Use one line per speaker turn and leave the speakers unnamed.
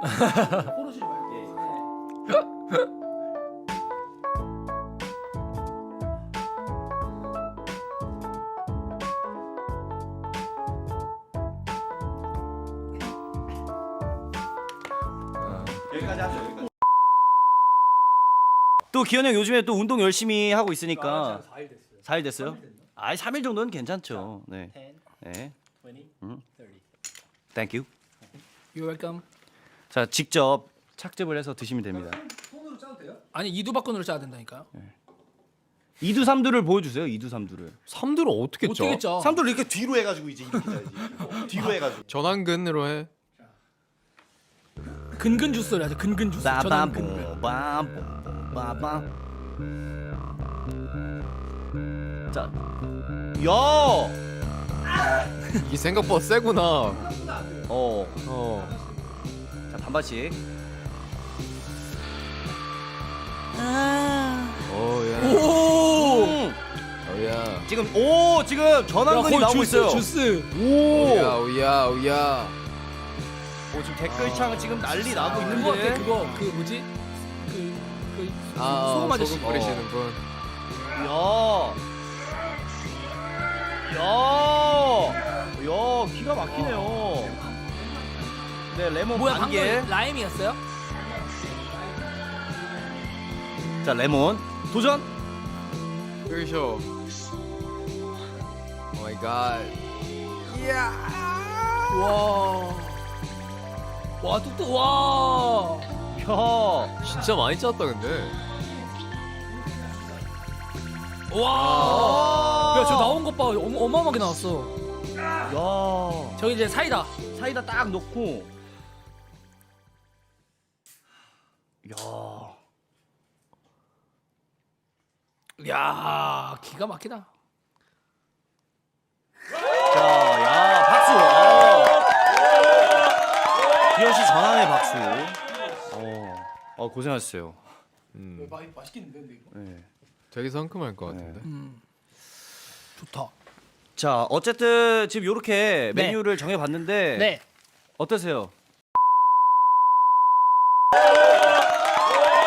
포르쉐 말고.
여기까지 하죠. 여기까지. 또 기현 형 요즘에 또 운동 열심히 하고 있으니까
4일 됐어요.
4일 됐어요? 아, 3일 정도는 괜찮죠. 네.
10,
네.
20, 30.
Thank you.
You're welcome.
자, 직접 착즙을 해서 드시면 됩니다.
손으로 짜도 돼요? 아니 이두박근으로 짜야 된다니까요.
이두 삼두를 보여주세요. 이두 삼두를.
삼두를 어떻게 쪄?
어떻게 짜?
삼두를 이렇게 뒤로 해가지고 이제 이렇게 짜야지. 뒤로 해가지고.
전완근으로 해.
근근 주스를 하죠. 근근 주스. 전환 근근.
빠밤. 자, 야,
이게 생각보다 세구나.
어, 자 반반씩.
어야.
오.
어야.
지금 전환근이 나오고 있어요.
주스.
오야 오야 오야.
지금 댓글창 지금 난리 나고
그거
있는데.
같아. 그거 그 뭐지? 그 소금 아저씨.
소금 뿌리시는 분.
야, 기가 막히네요. 네, 레몬
뭐야
반 개.
방금 라임이었어요?
자, 레몬 도전.
끄셔. 오 마이 갓.
와. 와 뚝뚝 와.
야,
진짜 많이 짰다 근데.
와. 야 저 나온 것 봐. 어마어마하게 나왔어.
야,
저기 이제 사이다.
사이다 딱 넣고. 야,
야 기가 막히다.
자, 야, 박수. 기현 씨 전환의 박수. 고생하셨어요.
맛있겠는데 이거?
네.
되게 상큼할 것 같은데.
좋다.
자, 어쨌든 지금 이렇게
네.
메뉴를 정해봤는데
네.
어떠세요?